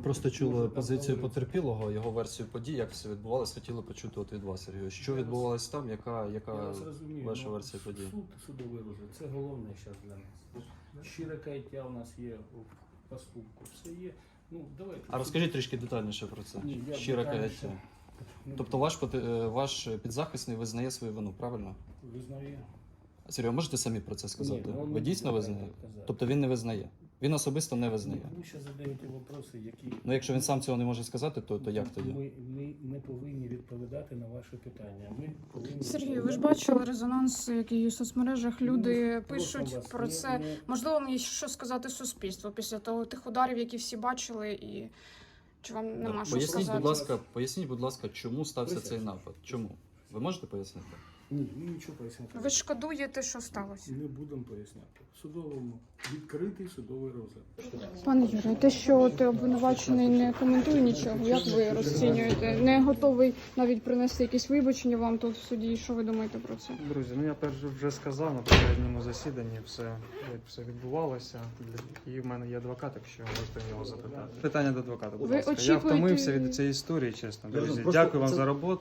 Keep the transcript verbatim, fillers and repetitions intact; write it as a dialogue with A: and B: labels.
A: просто чули позицію потерпілого, його версію подій, як все відбувалося, хотіли почути от від вас, Сергій. Що відбувалося там, яка, яка
B: Я вас розумію,
A: ваша
B: ну,
A: версія подій?
B: Суд, судовий розгляд, це головне зараз для нас. Щире каяття у нас є у поступку, все є. Ну, давайте.
A: А розкажіть трішки детальніше про це.
B: Ні, я
A: Щире
B: детальніше
A: каяття.
B: не
A: Тобто ваш, поте- ваш підзахисний визнає свою вину, правильно?
B: визнаю.
A: Сергій, а можете самі про це сказати?
B: Ні, ну,
A: Ви
B: не
A: дійсно
B: треба
A: визнаєте?
B: казати.
A: Тобто він не визнає? Він особисто не визнає?
B: Ви ще задаєте питання, які...
A: Ну якщо він сам цього не може сказати, то, то як тоді?
B: Ми, ми не повинні відповідати на ваші питання. Ми повинні
C: Сергій, ви ж
B: відповідати-
C: бачили резонанс, який у соцмережах люди
B: Ну, просимо
C: пишуть
B: вас,
C: про
B: не-
C: це.
B: не-
C: Можливо, мені що сказати суспільству після того тих ударів, які всі бачили, і чи вам нема
A: Да.
C: що
A: Поясніть,
C: сказати?
A: будь ласка, поясніть, будь ласка, чому стався
B: Присядьте.
A: цей напад? Чому? Ви можете пояснити?
B: Ні, ми нічого поясняти.
C: Ви шкодуєте, що сталося?
B: Не будемо поясняти. В судовому відкритий судовий розгляд.
C: Пане Юрію, те, що ти обвинувачений не коментує нічого, як ви розцінюєте? Не готовий навіть принести якісь вибачення вам тут в суді. Що ви думаєте про це?
D: Друзі, ну я перш вже сказав на попередньому засіданні все, як все відбувалося. І в мене є адвокат, якщо можете в нього запитати. Питання до адвоката, будь
C: Ви
D: ласка. Я
C: очікуєте-
D: втомився від цієї історії, чесно. Друзі,
E: Просто
D: дякую вам
E: це-
D: за роботу.